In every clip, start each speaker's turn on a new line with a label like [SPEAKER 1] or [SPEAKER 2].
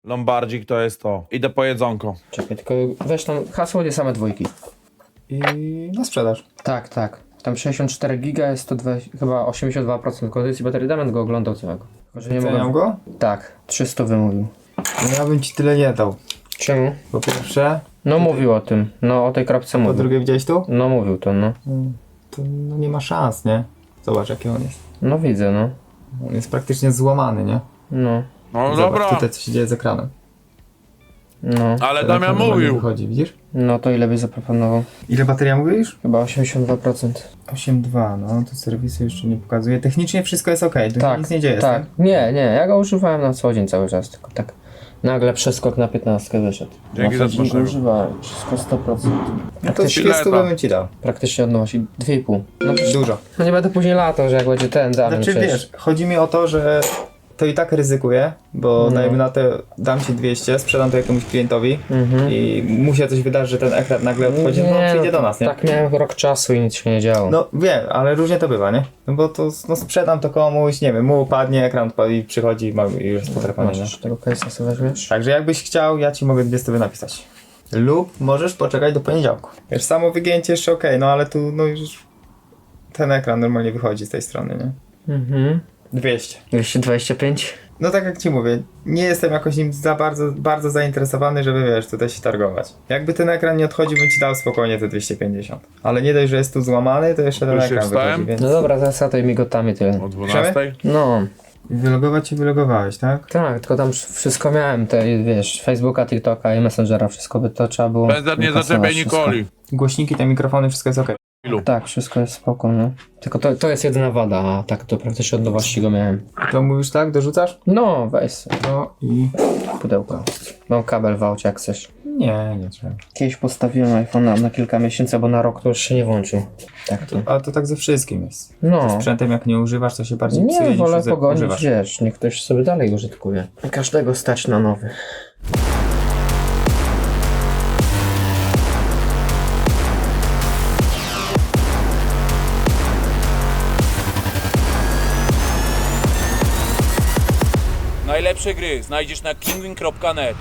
[SPEAKER 1] Lombardzik to jest to. Idę po jedzonko.
[SPEAKER 2] Czekaj, tylko weź tam hasło, nie same dwójki.
[SPEAKER 3] I na sprzedaż.
[SPEAKER 2] Tak, tak. Tam 64 giga jest to chyba 82% kondycji baterii. Damian go oglądał całego. Tylko, że nie
[SPEAKER 3] Ceniam
[SPEAKER 2] mogę...
[SPEAKER 3] go?
[SPEAKER 2] Tak, 300 wymówił.
[SPEAKER 3] No ja bym ci tyle nie dał.
[SPEAKER 2] Czemu?
[SPEAKER 3] Po pierwsze,
[SPEAKER 2] No mówił o tym. No o tej kropce
[SPEAKER 3] po
[SPEAKER 2] mówił.
[SPEAKER 3] drugie widziałeś tu?
[SPEAKER 2] No mówił to, no.
[SPEAKER 3] To no, nie ma szans, nie? Zobacz jaki on jest.
[SPEAKER 2] No widzę, no.
[SPEAKER 3] On jest praktycznie złamany, nie?
[SPEAKER 2] No.
[SPEAKER 1] No
[SPEAKER 3] Zobacz
[SPEAKER 1] dobra.
[SPEAKER 3] tutaj co się dzieje z ekranem.
[SPEAKER 2] No.
[SPEAKER 1] Ale
[SPEAKER 3] Ten
[SPEAKER 1] Damian
[SPEAKER 3] ekran normalnie
[SPEAKER 1] mówił.
[SPEAKER 3] wychodzi, widzisz?
[SPEAKER 2] No to ile byś zaproponował?
[SPEAKER 3] Ile bateria mówisz?
[SPEAKER 2] Chyba 82%.
[SPEAKER 3] 8,2, no to serwisy jeszcze nie pokazuje. Technicznie wszystko jest ok, tu
[SPEAKER 2] Tak,
[SPEAKER 3] się nic nie dzieje.
[SPEAKER 2] tak. Nie, ja go używałem na co dzień cały czas, tylko tak nagle przeskok na 15 wyszedł.
[SPEAKER 1] Dzięki
[SPEAKER 2] na
[SPEAKER 1] za
[SPEAKER 2] co dzień go
[SPEAKER 1] smacznego.
[SPEAKER 2] używałem, wszystko 100%.
[SPEAKER 3] No to 30 bym ci dał.
[SPEAKER 2] Praktycznie odnosi 2,5. No,
[SPEAKER 3] Dużo.
[SPEAKER 2] no nie będę później latał, że jak będzie ten Damian
[SPEAKER 3] Znaczy
[SPEAKER 2] przecież.
[SPEAKER 3] wiesz, chodzi mi o to, że to i tak ryzykuję, bo dajmy na to, dam ci 200, sprzedam to jakiemuś klientowi i mu się coś wydarzy, że ten ekran nagle odchodzi, no przyjdzie do nas, nie?
[SPEAKER 2] Tak miałem rok czasu i nic się nie działo.
[SPEAKER 3] No wiem, ale różnie to bywa, nie? No bo to no, sprzedam to komuś, nie wiem, mu upadnie, ekran odpadnie i przychodzi i już jest potrafany, nie?
[SPEAKER 2] Masz tego case'a sobie weźmiesz?
[SPEAKER 3] Także jakbyś chciał, ja ci mogę 200 napisać. Lub możesz poczekać do poniedziałku. Wiesz, samo wygięcie jeszcze okej, no ale tu no już ten ekran normalnie wychodzi z tej strony, nie? 200.
[SPEAKER 2] 225?
[SPEAKER 3] No tak jak ci mówię, nie jestem jakoś nim za bardzo zainteresowany, żeby wiesz, tutaj się targować. Jakby ten ekran nie odchodził, bym ci dał spokojnie te 250. Ale nie dość, że jest tu złamany, to jeszcze ten
[SPEAKER 1] Już się
[SPEAKER 3] ekran
[SPEAKER 1] wstałem?
[SPEAKER 3] wychodzi, więc...
[SPEAKER 2] No dobra, teraz tej migotami tyle.
[SPEAKER 1] O 12?
[SPEAKER 2] No,
[SPEAKER 3] Wylogować się wylogowałeś, tak?
[SPEAKER 2] tak, tylko tam wszystko miałem, te, wiesz, Facebooka, TikToka i Messengera, wszystko by to trzeba było
[SPEAKER 1] Bezder nie
[SPEAKER 2] wykasować
[SPEAKER 1] zaczepiaj
[SPEAKER 2] wszystko.
[SPEAKER 1] Nikoli.
[SPEAKER 3] Głośniki, te mikrofony, wszystko jest okej.
[SPEAKER 2] Tak, wszystko jest spoko, no. Tylko to jest jedyna wada, a tak to praktycznie od nowości go miałem.
[SPEAKER 3] To mówisz tak, dorzucasz?
[SPEAKER 2] No, weź sobie
[SPEAKER 3] No i...
[SPEAKER 2] pudełko. Mam kabel w aucie, jak chcesz.
[SPEAKER 3] Nie trzeba.
[SPEAKER 2] Kiedyś postawiłem iPhone'a na kilka miesięcy, bo na rok to już się nie włączył. Tak to.
[SPEAKER 3] Ale to tak ze wszystkim jest.
[SPEAKER 2] No.
[SPEAKER 3] Sprzętem jak nie używasz, to się bardziej psuje
[SPEAKER 2] Nie,
[SPEAKER 3] niż
[SPEAKER 2] wolę pogonić,
[SPEAKER 3] używasz.
[SPEAKER 2] wiesz, niech ktoś sobie dalej użytkuje. Każdego stać na nowy.
[SPEAKER 4] Najlepsze gry znajdziesz na kingwin.net.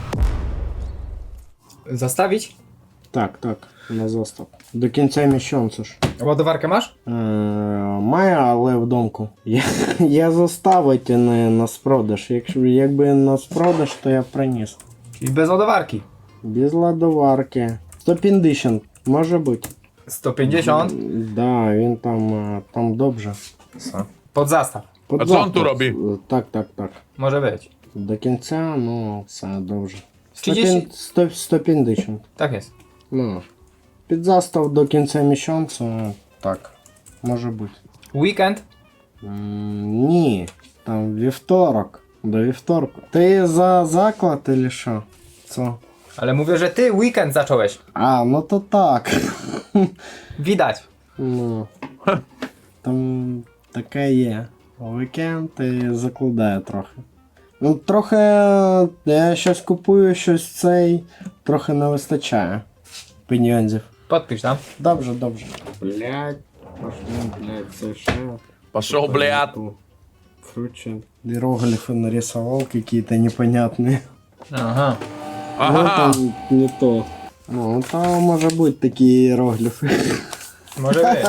[SPEAKER 3] Zastawić?
[SPEAKER 5] Так, на застав. До кінця місяця ж.
[SPEAKER 3] Ładowarkę masz?
[SPEAKER 5] Маю, але в домку. Я заставити не на спродаж. Якби на спродаж, то я приніс.
[SPEAKER 3] Czyli bez ładowarki.
[SPEAKER 5] Без ладоварки. 150, може бути.
[SPEAKER 3] 150.
[SPEAKER 5] Да, він там добре.
[SPEAKER 3] Pod zastaw.
[SPEAKER 5] Под
[SPEAKER 1] А що він тут
[SPEAKER 5] запит.
[SPEAKER 1] робить?
[SPEAKER 5] Так.
[SPEAKER 3] Może być.
[SPEAKER 5] До кінця, ну, все добре.
[SPEAKER 3] 30?
[SPEAKER 5] 150.
[SPEAKER 3] Tak jest.
[SPEAKER 5] Ну, під застав до кінця місяця, так, може бути.
[SPEAKER 3] Weekend?
[SPEAKER 5] Ні, там вівторок. До вівторку. Ти за заклад или що? Це?
[SPEAKER 3] Ale mówię, że ty weekend zacząłeś.
[SPEAKER 5] А, ну то так.
[SPEAKER 3] Widać.
[SPEAKER 5] Ну, там таке є. Вікенд і закладає трохи. Ну, трохи я щось купую, щось цей, трохи не вистачає. Пеньонзів.
[SPEAKER 3] Podpisz tam.
[SPEAKER 5] Dobrze. Блять, це що?
[SPEAKER 1] Пошел, блядь.
[SPEAKER 5] Короче, иероглифы нарисовал какие-то непонятные.
[SPEAKER 3] Aha.
[SPEAKER 5] Ну,
[SPEAKER 1] Ага.
[SPEAKER 5] там не то. Ну, там может быть такие иероглифы.
[SPEAKER 3] Może być.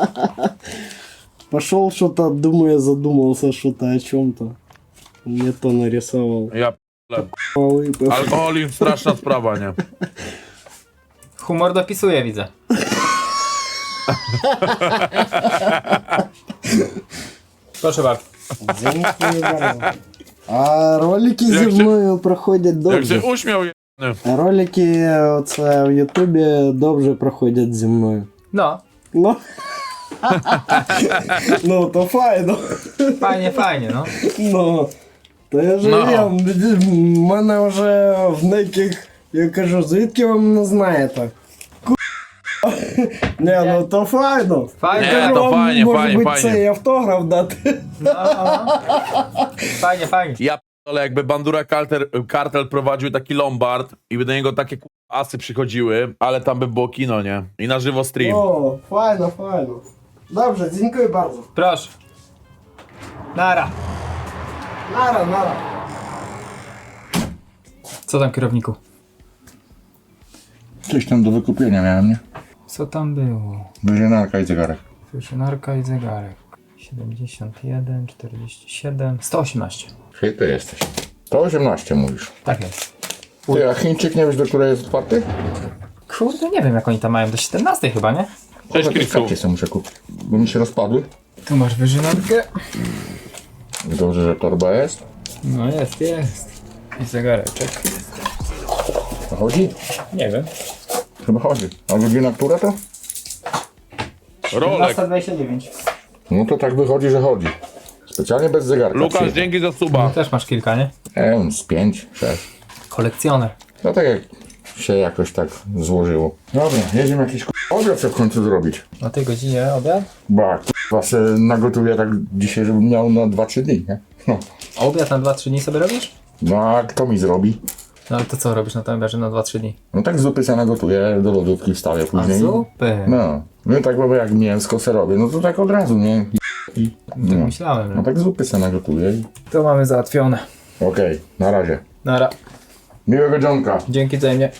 [SPEAKER 5] Пошел что-то, думаю, задумался что-то о чем-то. Не то нарисовал.
[SPEAKER 1] Ja
[SPEAKER 5] Выпив.
[SPEAKER 1] alkoholizm straszna sprawa, nie?
[SPEAKER 3] Humor dopisuje, widzę. Proszę bardzo.
[SPEAKER 5] Dziękuję bardzo. А ролики
[SPEAKER 1] Jak
[SPEAKER 5] зі
[SPEAKER 1] się-
[SPEAKER 5] мною проходять
[SPEAKER 1] Jak
[SPEAKER 5] добре.
[SPEAKER 1] się uśmiał, je...
[SPEAKER 5] Ролики оце в Ютубі добре проходять зі мною.
[SPEAKER 3] No,
[SPEAKER 5] Ну. Ну, то файно.
[SPEAKER 3] fajnie, no.
[SPEAKER 5] Ну, то я же
[SPEAKER 1] Ну.
[SPEAKER 5] є, в мене вже в деяких, я кажу, звідки ви мене знаєте? Не, ну то файно.
[SPEAKER 3] Fajnie.
[SPEAKER 1] Nie,
[SPEAKER 5] Кажу,
[SPEAKER 1] to
[SPEAKER 5] вам,
[SPEAKER 1] fajnie,
[SPEAKER 5] може
[SPEAKER 1] fajnie,
[SPEAKER 5] бути,
[SPEAKER 1] fajnie.
[SPEAKER 5] цей автограф дати.
[SPEAKER 3] Fajnie.
[SPEAKER 1] Ja ale jakby Bandura Kartel prowadził taki Lombard i by do niego takie asy przychodziły, ale tam by było kino, nie? I na żywo stream.
[SPEAKER 5] О, файно. Dobrze, dziękuję bardzo.
[SPEAKER 3] Proszę. Nara.
[SPEAKER 5] Nara.
[SPEAKER 3] Co tam, kierowniku?
[SPEAKER 6] Coś tam do wykupienia miałem, nie?
[SPEAKER 3] Co tam było?
[SPEAKER 6] Wyżynarka i zegarek.
[SPEAKER 3] Fusionarka i zegarek. 71, 47, 118.
[SPEAKER 6] Czyli ty jesteś. To 18 mówisz.
[SPEAKER 3] Tak jest.
[SPEAKER 6] Ty, a Chińczyk nie wiesz, do której jest otwarty?
[SPEAKER 3] Kurde, nie wiem jak oni tam mają, do 17 chyba, nie?
[SPEAKER 1] Cześć,
[SPEAKER 6] Jakieś
[SPEAKER 1] Krisu.
[SPEAKER 6] kapcie sobie muszę kupić, bo mi się rozpadły.
[SPEAKER 3] Tu masz wyżynarkę.
[SPEAKER 6] Dobrze, że torba jest.
[SPEAKER 3] No jest. I zegareczek.
[SPEAKER 6] To chodzi?
[SPEAKER 3] Nie wiem.
[SPEAKER 6] Chyba chodzi. A godzina która to?
[SPEAKER 1] Rolek.
[SPEAKER 3] 29.
[SPEAKER 6] No to tak wychodzi, że chodzi. Specjalnie bez zegarka.
[SPEAKER 1] Lukasz,
[SPEAKER 6] przyjechał.
[SPEAKER 1] dzięki za suba.
[SPEAKER 3] Też masz kilka, nie?
[SPEAKER 6] Z 5, 6.
[SPEAKER 3] Kolekcjoner.
[SPEAKER 6] No tak jak się jakoś tak złożyło. Dobra, jedziemy jakiś obiad co w końcu zrobić.
[SPEAKER 3] O tej godzinie obiad?
[SPEAKER 6] Ba, k***a se nagotuję tak dzisiaj, żebym miał na 2-3 dni, nie? No.
[SPEAKER 3] Obiad na 2-3 dni sobie robisz?
[SPEAKER 6] No a kto mi zrobi?
[SPEAKER 3] No ale to co robisz na tym obiadzie na 2-3 dni?
[SPEAKER 6] No tak zupy se nagotuję, do lodówki wstawię
[SPEAKER 3] A
[SPEAKER 6] później.
[SPEAKER 3] zupy.
[SPEAKER 6] No tak bo jak mięsko se robię, no to tak od razu, nie?
[SPEAKER 3] Tak
[SPEAKER 6] No.
[SPEAKER 3] myślałem.
[SPEAKER 6] No tak zupy se nagotuję i...
[SPEAKER 3] To mamy załatwione.
[SPEAKER 6] Okej, na razie.
[SPEAKER 3] Nara.
[SPEAKER 6] Miłego dzionka.
[SPEAKER 3] Dzięki wzajemnie.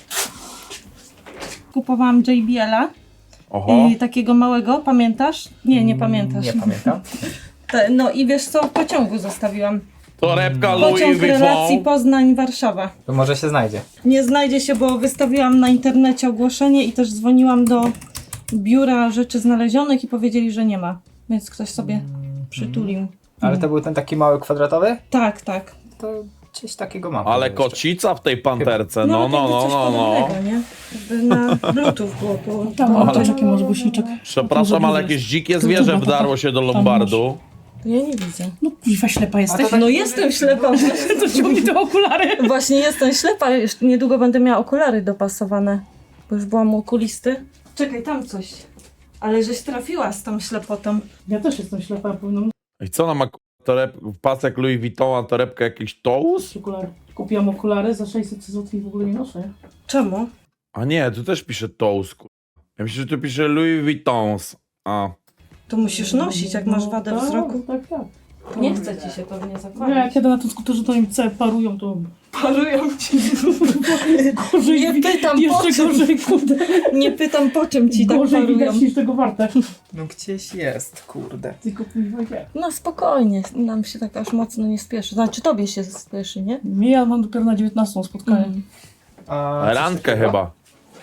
[SPEAKER 7] Kupowałam JBL-a
[SPEAKER 1] Oho.
[SPEAKER 7] i takiego małego, pamiętasz? Nie pamiętasz.
[SPEAKER 3] Nie pamiętam.
[SPEAKER 7] No i wiesz co, w pociągu zostawiłam.
[SPEAKER 1] Torebka Louis
[SPEAKER 7] Pociąg relacji
[SPEAKER 1] Vuitton.
[SPEAKER 7] Poznań-Warszawa.
[SPEAKER 3] To może się znajdzie.
[SPEAKER 7] Nie znajdzie się, bo wystawiłam na internecie ogłoszenie i też dzwoniłam do biura rzeczy znalezionych i powiedzieli, że nie ma. Więc ktoś sobie przytulił.
[SPEAKER 3] Ale to był ten taki mały kwadratowy?
[SPEAKER 7] Tak.
[SPEAKER 3] To gdzieś takiego mam.
[SPEAKER 1] Ale
[SPEAKER 3] jeszcze.
[SPEAKER 1] kocica w tej panterce. No.
[SPEAKER 7] jakby coś podobnego, nie? Jakby na Bluetooth było
[SPEAKER 8] Tam
[SPEAKER 7] to.
[SPEAKER 8] mam też taki masz głośniczek.
[SPEAKER 1] Przepraszam, ale jakieś dzikie zwierzę wdarło się do lombardu.
[SPEAKER 7] Ja nie widzę.
[SPEAKER 8] No kuźwa, ślepa jesteś.
[SPEAKER 7] No jestem ślepa.
[SPEAKER 8] To ciągnij te okulary.
[SPEAKER 7] Właśnie jestem ślepa, już niedługo będę miała okulary dopasowane, bo już byłam u okulisty. Czekaj, tam coś. Ale żeś trafiła z tą ślepotą.
[SPEAKER 8] Ja też jestem ślepa, powinnam
[SPEAKER 1] I co ona ma pasek Louis Vuitton, a torebkę jakiś Tous?
[SPEAKER 8] mieć okulary. Kupiłam okulary za 600 zł i w ogóle nie noszę.
[SPEAKER 7] Czemu?
[SPEAKER 1] A nie, tu też pisze Tous. Ja myślę, że tu pisze Louis Vuittons. A.
[SPEAKER 7] To musisz nosić, jak masz wadę
[SPEAKER 8] tak,
[SPEAKER 7] wzroku.
[SPEAKER 8] Tak.
[SPEAKER 7] Nie chce ci się pewnie
[SPEAKER 8] No,
[SPEAKER 7] zakładać.
[SPEAKER 8] jak jadę na tym skuterze, to im parują, to
[SPEAKER 7] Parują ci.
[SPEAKER 8] gorzej.
[SPEAKER 7] Nie pytam po
[SPEAKER 8] jeszcze
[SPEAKER 7] czym.
[SPEAKER 8] gorzej, kurde.
[SPEAKER 7] Nie pytam po czym ci tak
[SPEAKER 8] Gorzej
[SPEAKER 7] parują.
[SPEAKER 8] widać niż tego warte.
[SPEAKER 3] No gdzieś jest, kurde.
[SPEAKER 8] Tylko kuźwa nie.
[SPEAKER 7] No spokojnie, nam się tak aż mocno nie spieszy. Znaczy tobie się spieszy, nie?
[SPEAKER 8] Nie, ja mam dopiero na 19 spotkanie.
[SPEAKER 3] A
[SPEAKER 1] Randkę chyba.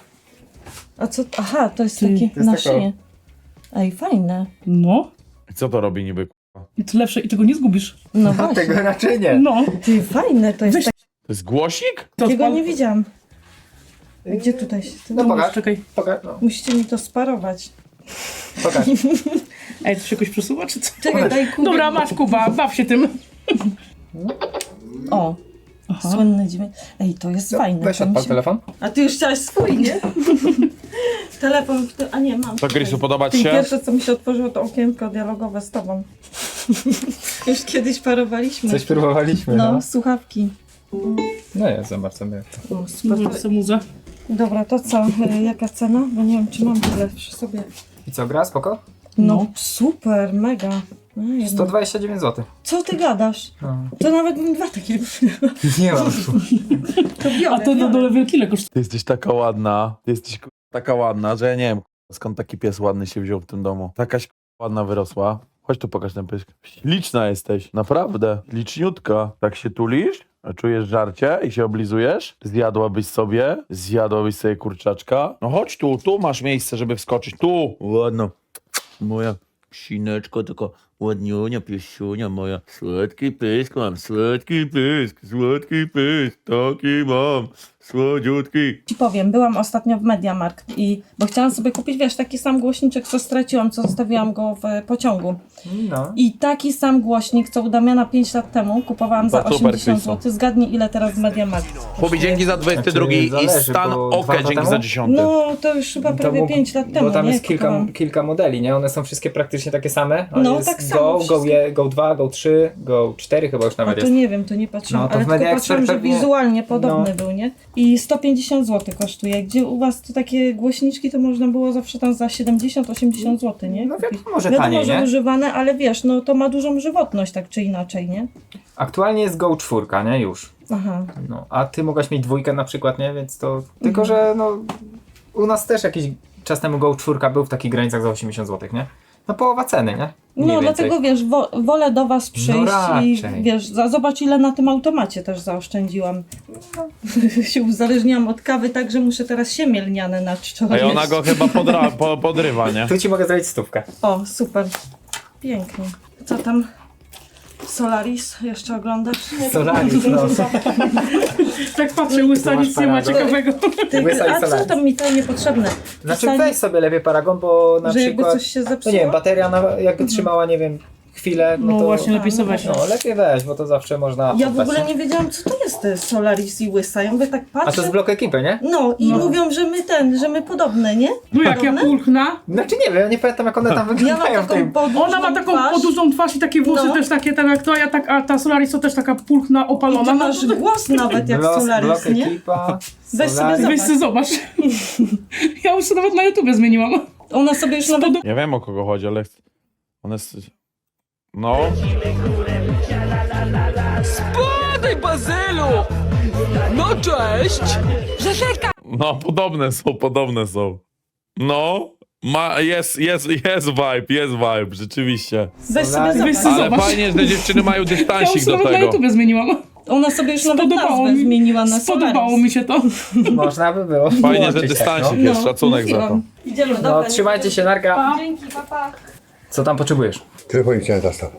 [SPEAKER 7] A co? Aha, to jest
[SPEAKER 8] Ty,
[SPEAKER 7] takie
[SPEAKER 3] to jest
[SPEAKER 7] na
[SPEAKER 3] taka-
[SPEAKER 7] szyję. Ej, fajne.
[SPEAKER 8] No.
[SPEAKER 1] I co to robi niby?
[SPEAKER 8] I to lepsze i tego nie zgubisz.
[SPEAKER 7] No
[SPEAKER 3] A
[SPEAKER 7] właśnie.
[SPEAKER 3] tego raczej nie.
[SPEAKER 8] No.
[SPEAKER 7] Ty, fajne to jest.
[SPEAKER 8] Weź-
[SPEAKER 1] To jest głosik?
[SPEAKER 7] Takiego nie widziałam. Gdzie tutaj się...
[SPEAKER 3] No pokaż.
[SPEAKER 8] Czekaj.
[SPEAKER 3] Pokaż. No.
[SPEAKER 7] Musicie mi to sparować.
[SPEAKER 3] Pokaż.
[SPEAKER 8] Ej, to się jakoś przesuwa, czy co?
[SPEAKER 7] Czekaj, daj Kubie.
[SPEAKER 8] Dobra, masz Kuba, baw się tym.
[SPEAKER 7] O,
[SPEAKER 8] Aha.
[SPEAKER 7] słynny dźwięk. Ej, to jest fajne.
[SPEAKER 3] Weź
[SPEAKER 7] to mi
[SPEAKER 3] odpal
[SPEAKER 7] się...
[SPEAKER 3] telefon.
[SPEAKER 7] A ty już chciałaś swój, nie? Telefon, a nie, mam.
[SPEAKER 1] To Grisu, podoba ci
[SPEAKER 7] I
[SPEAKER 1] się?
[SPEAKER 7] pierwsze, co mi się otworzyło, to okienko dialogowe z tobą. Już kiedyś parowaliśmy.
[SPEAKER 3] Coś próbowaliśmy,
[SPEAKER 7] No,
[SPEAKER 3] no.
[SPEAKER 7] słuchawki.
[SPEAKER 3] No jest, zobaczymy jak to.
[SPEAKER 7] O, super.
[SPEAKER 8] Może sobie muzę.
[SPEAKER 7] Dobra, to co? Jaka cena? Bo nie wiem, czy mam tyle przy sobie.
[SPEAKER 3] I co, gra? Spoko?
[SPEAKER 7] No, super, mega. No, jedno.
[SPEAKER 3] 129 zł.
[SPEAKER 7] Co ty gadasz?
[SPEAKER 3] No.
[SPEAKER 7] To nawet bym dwa takie
[SPEAKER 3] Nie mam tu.
[SPEAKER 7] to biorę,
[SPEAKER 8] A to na
[SPEAKER 7] biorę.
[SPEAKER 8] dole wielkile kosztuje.
[SPEAKER 1] Ty jesteś taka ładna. Ty jesteś taka ładna, że ja nie wiem skąd taki pies ładny się wziął w tym domu. Takaś ładna wyrosła. Chodź tu pokaż ten pysk. Liczna jesteś, naprawdę. Liczniutka. Tak się tulisz? A czujesz żarcie i się oblizujesz? Zjadłabyś sobie kurczaczka? No chodź tu masz miejsce, żeby wskoczyć. Tu! Ładno. Moja psineczko, tylko ładniunia, piesiunia moja. Słodki pysk mam, słodki pysk, taki mam, słodziutki.
[SPEAKER 7] Ci powiem, byłam ostatnio w Mediamarkt bo chciałam sobie kupić, wiesz, taki sam głośniczek, co straciłam, co zostawiłam go w pociągu.
[SPEAKER 3] No.
[SPEAKER 7] I taki sam głośnik, co u Damiana 5 lat temu, kupowałam za
[SPEAKER 1] To super,
[SPEAKER 7] 80
[SPEAKER 1] Krysto.
[SPEAKER 7] zł. Zgadnij, ile teraz w Mediamarkt.
[SPEAKER 1] Pobi, dzięki za 22 i
[SPEAKER 3] zależy,
[SPEAKER 1] Stan
[SPEAKER 3] bo 2
[SPEAKER 1] Oke,
[SPEAKER 3] lata
[SPEAKER 1] dzięki
[SPEAKER 3] temu?
[SPEAKER 1] za 10.
[SPEAKER 7] No, to już chyba prawie 5 lat temu,
[SPEAKER 3] Bo tam
[SPEAKER 7] nie?
[SPEAKER 3] jest
[SPEAKER 7] Kupowałam.
[SPEAKER 3] kilka modeli, nie? One są wszystkie praktycznie takie same. Ale
[SPEAKER 7] No,
[SPEAKER 3] jest
[SPEAKER 7] tak samo
[SPEAKER 3] Go,
[SPEAKER 7] wszystkie.
[SPEAKER 3] Go 2, Go 3, Go 4 chyba już
[SPEAKER 7] A
[SPEAKER 3] nawet
[SPEAKER 7] to
[SPEAKER 3] jest.
[SPEAKER 7] nie wiem, to nie patrzyłam,
[SPEAKER 3] No, to
[SPEAKER 7] ale
[SPEAKER 3] w
[SPEAKER 7] tylko
[SPEAKER 3] Media
[SPEAKER 7] patrzyłam, że
[SPEAKER 3] Expert pewnie-
[SPEAKER 7] wizualnie podobny
[SPEAKER 3] No.
[SPEAKER 7] był, nie? I 150 zł kosztuje. Gdzie u was to takie głośniczki, to można było zawsze tam za 70-80 zł, nie?
[SPEAKER 3] No
[SPEAKER 7] Kupić.
[SPEAKER 3] wiadomo, że
[SPEAKER 7] Wiadomo,
[SPEAKER 3] taniej,
[SPEAKER 7] że
[SPEAKER 3] nie?
[SPEAKER 7] używane, ale wiesz, no to ma dużą żywotność tak czy inaczej, nie?
[SPEAKER 3] Aktualnie jest Go 4, nie? Już.
[SPEAKER 7] Aha.
[SPEAKER 3] No, a ty mogłaś mieć 2 na przykład, nie? Więc to... Tylko, że no... U nas też jakiś czas temu Go 4 był w takich granicach za 80 zł, nie? No połowa ceny, nie? Mniej
[SPEAKER 7] No
[SPEAKER 3] więcej.
[SPEAKER 7] dlatego wiesz, wolę do was przyjść i
[SPEAKER 3] raczej.
[SPEAKER 7] wiesz, zobacz ile na tym automacie też zaoszczędziłam. się uzależniłam od kawy, tak że muszę teraz siemię lniane na czczo.
[SPEAKER 1] A ona go chyba podrywa, nie?
[SPEAKER 3] Tu ci mogę zrobić 100.
[SPEAKER 7] O, super. Pięknie. Co tam? Solaris jeszcze oglądasz?
[SPEAKER 3] Solaris, no.
[SPEAKER 8] Tak patrzę, łysa
[SPEAKER 3] masz
[SPEAKER 8] nic nie ma
[SPEAKER 3] paragon.
[SPEAKER 8] ciekawego.
[SPEAKER 3] Łysa i
[SPEAKER 7] A co
[SPEAKER 3] Solaris.
[SPEAKER 7] tam mi to niepotrzebne?
[SPEAKER 3] Znaczy
[SPEAKER 7] Pisanie,
[SPEAKER 3] weź sobie lepiej paragon, bo na
[SPEAKER 7] że jakby
[SPEAKER 3] przykład...
[SPEAKER 7] coś się
[SPEAKER 3] No
[SPEAKER 7] zepsuło?
[SPEAKER 3] nie wiem, bateria jakby trzymała, nie wiem, chwilę, no
[SPEAKER 8] No
[SPEAKER 3] to...
[SPEAKER 8] właśnie, lepiej sobie weź.
[SPEAKER 3] No lepiej weź, bo to zawsze można...
[SPEAKER 7] Ja w
[SPEAKER 3] oddać,
[SPEAKER 7] ogóle
[SPEAKER 3] nie?
[SPEAKER 7] nie wiedziałam, co to jest te Solaris i łysa. Ja mówię tak
[SPEAKER 3] A
[SPEAKER 7] patrzę.
[SPEAKER 3] to z blok ekipy, nie?
[SPEAKER 7] No i mówią, że my podobne, nie?
[SPEAKER 8] No jak ja
[SPEAKER 7] Podobne?
[SPEAKER 8] pulchna.
[SPEAKER 3] Znaczy nie wiem, ja nie pamiętam jak one tam
[SPEAKER 7] Ja
[SPEAKER 3] wyglądają
[SPEAKER 7] mam
[SPEAKER 3] w
[SPEAKER 7] taką
[SPEAKER 3] tym.
[SPEAKER 7] podłużną
[SPEAKER 8] Ona ma taką
[SPEAKER 7] twarz.
[SPEAKER 8] podłużną twarz i takie włosy
[SPEAKER 7] No.
[SPEAKER 8] też takie tak jak to, a ta Solaris to też taka pulchna,
[SPEAKER 7] I
[SPEAKER 8] opalona.
[SPEAKER 7] ty
[SPEAKER 8] No,
[SPEAKER 7] masz głos nawet jak
[SPEAKER 3] Blok
[SPEAKER 7] Solaris, nie?
[SPEAKER 3] ekipa,
[SPEAKER 7] Weź sobie
[SPEAKER 3] Solaris.
[SPEAKER 8] weź sobie zobacz. Ja już sobie nawet na YouTubie zmieniłam.
[SPEAKER 7] Ona sobie już nawet...
[SPEAKER 1] Nie wiem o kogo chodzi, ale ona jest... No.
[SPEAKER 9] Spadaj, Bazylu! No cześć!
[SPEAKER 1] No, podobne są. No. Jest vibe, rzeczywiście.
[SPEAKER 7] Weź sobie
[SPEAKER 3] Solaris.
[SPEAKER 8] Weź
[SPEAKER 7] zobacz.
[SPEAKER 8] sobie
[SPEAKER 1] Ale
[SPEAKER 8] zobacz.
[SPEAKER 1] fajnie, że dziewczyny mają
[SPEAKER 8] Ja już
[SPEAKER 1] dystansik do
[SPEAKER 8] nawet na
[SPEAKER 1] tego.
[SPEAKER 8] YouTubie zmieniłam.
[SPEAKER 7] Ona sobie już nawet
[SPEAKER 8] Spodobało
[SPEAKER 7] nazwę
[SPEAKER 8] mi.
[SPEAKER 7] zmieniła na
[SPEAKER 8] Spodobało
[SPEAKER 7] Solaris.
[SPEAKER 8] mi się to.
[SPEAKER 3] Można by było
[SPEAKER 1] Fajnie, że
[SPEAKER 3] włączyć,
[SPEAKER 1] dystansik
[SPEAKER 3] tak,
[SPEAKER 1] jest, szacunek za to.
[SPEAKER 7] Mówiłam. Idziemy,
[SPEAKER 3] no.
[SPEAKER 7] dobra.
[SPEAKER 3] No trzymajcie się, narka.
[SPEAKER 7] Dzięki, papa.
[SPEAKER 3] Co tam potrzebujesz?
[SPEAKER 10] Telefonik chciałem zastaw.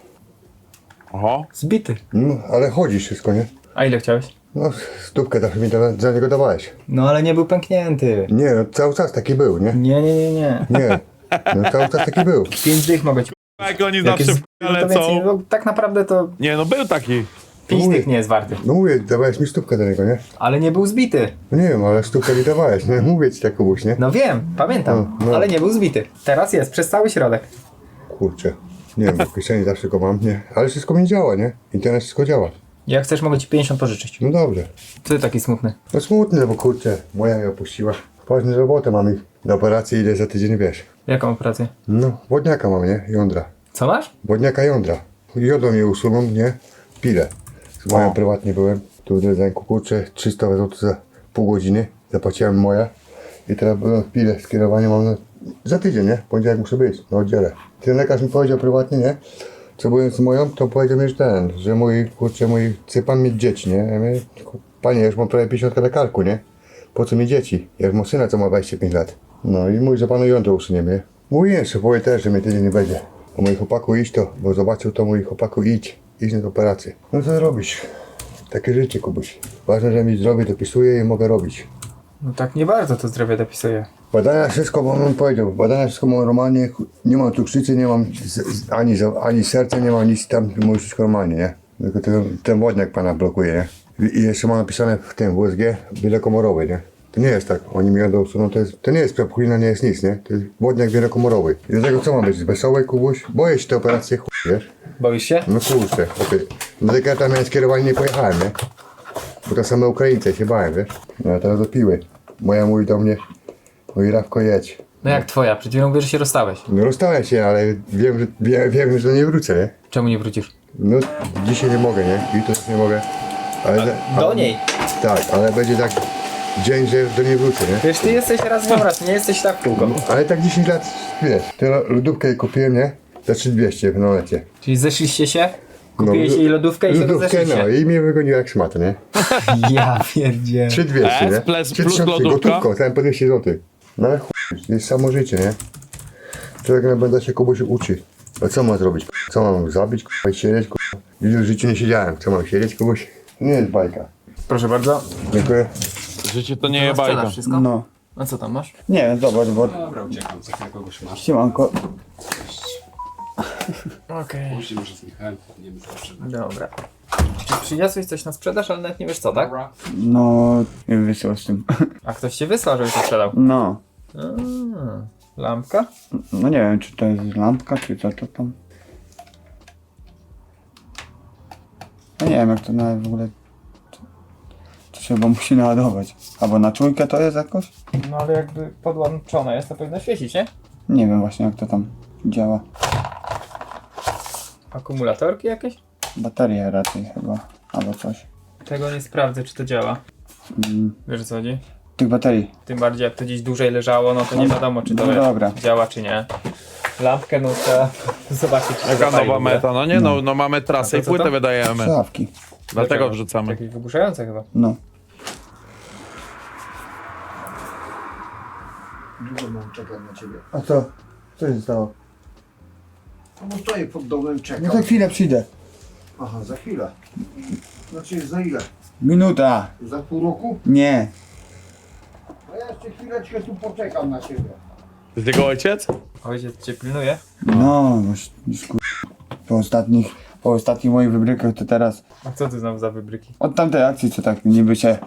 [SPEAKER 1] Oho.
[SPEAKER 3] Zbity.
[SPEAKER 10] No, ale chodzi wszystko, nie?
[SPEAKER 3] A ile chciałeś?
[SPEAKER 10] No, stówkę zawsze mi za niego dawałeś.
[SPEAKER 3] No ale nie był pęknięty.
[SPEAKER 10] Nie, no cały czas taki był, nie?
[SPEAKER 3] Nie.
[SPEAKER 10] Nie. No cały czas taki był.
[SPEAKER 3] 5 dych mogę ci...
[SPEAKER 1] Jak oni
[SPEAKER 3] Jak
[SPEAKER 1] zawsze
[SPEAKER 3] jest, to więcej,
[SPEAKER 1] lecą.
[SPEAKER 3] no, tak naprawdę to
[SPEAKER 1] Nie, no był taki.
[SPEAKER 3] 5 dych nie jest warty.
[SPEAKER 10] No mówię, dawałeś mi stówkę do niego, nie?
[SPEAKER 3] Ale nie był zbity.
[SPEAKER 10] No nie wiem, ale stówkę mi dawałeś, nie? Mówię ci tak komuś, nie?
[SPEAKER 3] No wiem, pamiętam,
[SPEAKER 10] No.
[SPEAKER 3] ale nie był zbity. Teraz jest, przez cały środek.
[SPEAKER 10] Kurczę. Nie wiem, bo w kieszeni zawsze go mam, nie? Ale wszystko mi działa, nie? Internet wszystko działa.
[SPEAKER 3] Jak chcesz, mogę ci 50 pożyczyć.
[SPEAKER 10] No dobrze.
[SPEAKER 3] Co ty taki smutny?
[SPEAKER 10] No smutne, bo kurczę, moja mnie opuściła. Ważną robotę mam i do operacji idę za tydzień, wiesz.
[SPEAKER 3] Jaką operację?
[SPEAKER 10] No, wodniaka mam, nie? Jądra.
[SPEAKER 3] Co masz?
[SPEAKER 10] Wodniaka jądra. Jodą mnie usuną, nie? Pile. Z moją prywatnie byłem. Tu w ręku, kurczę, 300 zł za pół godziny. Zapłaciłem moje. I teraz byłem w pile, skierowanie mam za tydzień, nie? Poniedziałek muszę być na oddziale. Ten lekarz mi powiedział prywatnie, nie? Co byłem z moją, to powiedział mi, że mój, kurczę, chce pan mieć dzieci, nie? Ja mówię, panie, ja już mam prawie 50 na karku, nie? Po co mi dzieci? Ja już mam syna, co ma 25 lat. No i mówi, że panu jądro usuniemy. Mówiłem szefowie też, że mnie tydzień nie będzie. O mój chłopaku idź to, bo zobaczył to mój chłopaku idź na operację. No co robisz? Takie życie, Kubuś. Ważne, że mi zdrowie dopisuje i mogę robić.
[SPEAKER 3] No tak nie bardzo to zdrowie dopisuje.
[SPEAKER 10] Badania wszystko, bo on powiedział, badania wszystko mam normalnie, nie mam cukrzycy, nie mam ani serca, nie mam nic tam, mówię wszystko normalnie, nie? Tylko ten wodniak pana blokuje, nie? I jeszcze mam napisane w tym WSG wielokomorowy, nie? To nie jest tak, oni mi jadą usuną, to nie jest prepchulina, nie jest nic, nie? To jest wodniak wielokomorowy. I dlatego co ma być? Wesoły, Kubuś? Boję się tej operacji, wiesz?
[SPEAKER 3] Boisz się?
[SPEAKER 10] No kurczę, okej. Dlatego ja tam miałem skierowanie, nie pojechałem, nie? Bo to same Ukraińcy, się bałem, wiesz? No a teraz dopiły. Moja mówi do mnie, mówi Rafko jedź.
[SPEAKER 3] No jak twoja? Przed chwilą mówisz, że się rozstałeś.
[SPEAKER 10] No rozstałem się, ale wiem, że nie wrócę, nie?
[SPEAKER 3] Czemu nie wrócisz?
[SPEAKER 10] No dzisiaj nie mogę, nie? Jutro też nie mogę.
[SPEAKER 3] Do niej.
[SPEAKER 10] Tak, ale będzie tak dzień, że do niej wrócę, nie?
[SPEAKER 3] Wiesz, ty jesteś raz w raz, nie jesteś tak w kółko.
[SPEAKER 10] Ale tak 10 lat, wiesz, tę lodówkę jej kupiłem, nie? Za 3200 w nolecie.
[SPEAKER 3] Czyli zeszliście się, kupiłeś jej lodówkę i się
[SPEAKER 10] Lodówkę,
[SPEAKER 3] rozeszliście.
[SPEAKER 10] no i mnie wygoniła jak szmatę, nie?
[SPEAKER 3] Ja pierdzie.
[SPEAKER 10] 3200, nie?
[SPEAKER 1] plus
[SPEAKER 10] 3000,
[SPEAKER 1] lodówka?
[SPEAKER 10] gotówką, tam po 200 zł. No ale chuj, jest samo życie, nie? Człowiek będę się kogoś uczy. A co mam zrobić? Co mam zabić, k***a, i siedzieć, k***a? W życiu nie siedziałem, co mam siedzieć kogoś? Nie jest bajka.
[SPEAKER 3] Proszę bardzo.
[SPEAKER 10] Dziękuję.
[SPEAKER 1] Życie to nie jest bajka.
[SPEAKER 3] Wszystko?
[SPEAKER 5] No.
[SPEAKER 3] A co tam masz?
[SPEAKER 5] Nie, zobacz, bo...
[SPEAKER 9] Dobra, uciekam, za chwilę kogoś masz.
[SPEAKER 5] Siemanko.
[SPEAKER 3] Okej.
[SPEAKER 9] Musimy, że z Michałem nie zawsze.
[SPEAKER 3] Dobra. Czy przyniosłeś coś na sprzedaż, ale nawet nie wiesz co, tak?
[SPEAKER 9] Dobra.
[SPEAKER 5] No, nie wyszło z tym.
[SPEAKER 3] A ktoś cię wysłał, żebyś to sprzedał.
[SPEAKER 5] No.
[SPEAKER 3] Lampka?
[SPEAKER 5] No nie wiem, czy to jest lampka, czy co to tam. No nie wiem, jak to nawet w ogóle... To się chyba musi naładować. Albo na czujkę to jest jakoś?
[SPEAKER 3] No ale jakby podłączone jest, to powinno świecić, nie?
[SPEAKER 5] Nie wiem właśnie, jak to tam działa.
[SPEAKER 3] Akumulatorki jakieś?
[SPEAKER 5] Baterie raczej chyba, albo coś.
[SPEAKER 3] Tego nie sprawdzę, czy to działa. Wiesz o co chodzi?
[SPEAKER 5] Tych baterii.
[SPEAKER 3] Tym bardziej jak to gdzieś dłużej leżało, no to nie wiadomo, czy to
[SPEAKER 5] No dobra.
[SPEAKER 3] działa, czy nie. Lampkę no trzeba zobaczyć, czy
[SPEAKER 1] Jaka
[SPEAKER 3] zapali w
[SPEAKER 1] nowa
[SPEAKER 3] ogóle.
[SPEAKER 1] meta? No nie, no mamy trasę
[SPEAKER 3] A
[SPEAKER 1] i
[SPEAKER 3] to co
[SPEAKER 1] płytę
[SPEAKER 3] to?
[SPEAKER 1] wydajemy.
[SPEAKER 5] Słuchawki.
[SPEAKER 1] Dlatego
[SPEAKER 3] Dlaczego?
[SPEAKER 1] wrzucamy.
[SPEAKER 3] Jakieś wygłuszające chyba.
[SPEAKER 5] No.
[SPEAKER 10] Długo mam czekać na ciebie. A co? Co się stało? No stoję pod domem, czekam.
[SPEAKER 5] No za chwilę przyjdę.
[SPEAKER 10] Aha, za chwilę. Znaczy za ile?
[SPEAKER 5] Minuta.
[SPEAKER 10] Za pół roku?
[SPEAKER 5] Nie.
[SPEAKER 10] A ja jeszcze chwileczkę tu poczekam na ciebie.
[SPEAKER 1] To jest jego ojciec?
[SPEAKER 3] Ojciec cię pilnuje?
[SPEAKER 5] No, już po ostatnich moich wybrykach to teraz
[SPEAKER 3] A co ty znowu za wybryki?
[SPEAKER 5] od tamtej akcji co tak niby się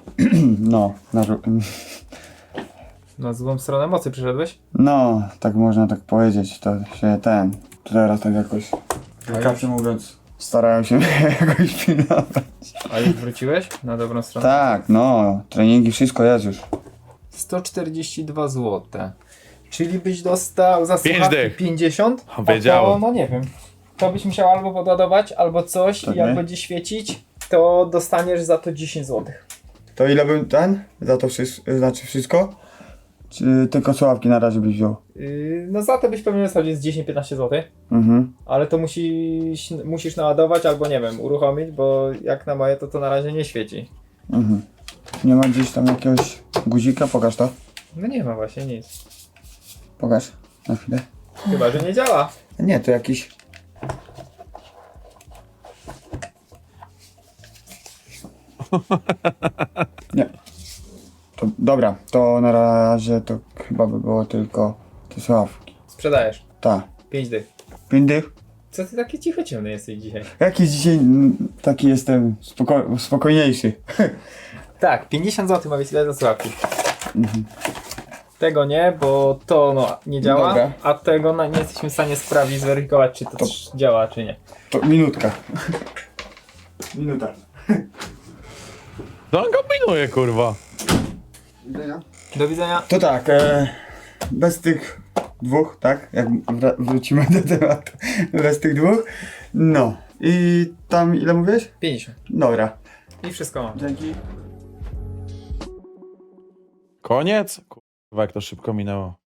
[SPEAKER 3] Na złą stronę mocy przyszedłeś?
[SPEAKER 5] no, tak można tak powiedzieć, to się to teraz tak jakoś delikatnie mówiąc starają się jakoś pilnować.
[SPEAKER 3] A już wróciłeś na dobrą stronę?
[SPEAKER 5] Tak, no, treningi, wszystko jest już.
[SPEAKER 3] 142 zł. Czyli byś dostał za
[SPEAKER 1] 5
[SPEAKER 3] słuchawki
[SPEAKER 1] dych.
[SPEAKER 3] 50? A
[SPEAKER 1] Wiedziałem.
[SPEAKER 3] to, no nie wiem. To byś musiał albo podładować, albo coś
[SPEAKER 5] Tak,
[SPEAKER 3] i jak
[SPEAKER 5] nie?
[SPEAKER 3] będzie świecić, to dostaniesz za to 10 zł.
[SPEAKER 5] To ile bym za to znaczy wszystko? Czy tylko słuchawki na razie byś wziął?
[SPEAKER 3] No za to byś pewnie dostał gdzieś 10-15 zł.
[SPEAKER 5] Mhm.
[SPEAKER 3] Ale to musisz naładować albo nie wiem, uruchomić, bo jak na moje to na razie nie świeci.
[SPEAKER 5] Mhm. Nie ma gdzieś tam jakiegoś guzika? Pokaż to.
[SPEAKER 3] No nie ma właśnie nic.
[SPEAKER 5] Pokaż. Na chwilę.
[SPEAKER 3] Chyba, że nie działa.
[SPEAKER 5] Nie, to jakiś... Nie. To, dobra, to na razie to chyba by było tylko te słuchawki.
[SPEAKER 3] Sprzedajesz.
[SPEAKER 5] Tak.
[SPEAKER 3] 5 dych.
[SPEAKER 5] 5 dych?
[SPEAKER 3] Co ty taki cicho ciemny jesteś dzisiaj?
[SPEAKER 5] Jakiś dzisiaj taki jestem spokojniejszy.
[SPEAKER 3] Tak, 50 zł ma być za słuchawki. Tego nie, bo to no, nie działa,
[SPEAKER 5] Dobra.
[SPEAKER 3] a tego nie jesteśmy w stanie sprawdzić, zweryfikować, czy to działa, czy nie.
[SPEAKER 5] To minutka. Minuta.
[SPEAKER 1] No on kombinuje, kurwa.
[SPEAKER 10] Widzenia?
[SPEAKER 3] Do widzenia.
[SPEAKER 5] To tak, bez tych dwóch, tak? Jak wrócimy do tematu. Bez tych dwóch. No. I tam ile mówiłeś?
[SPEAKER 3] 50.
[SPEAKER 5] Dobra.
[SPEAKER 3] I wszystko mam.
[SPEAKER 5] Dzięki.
[SPEAKER 1] Koniec? Kurwa, jak to szybko minęło.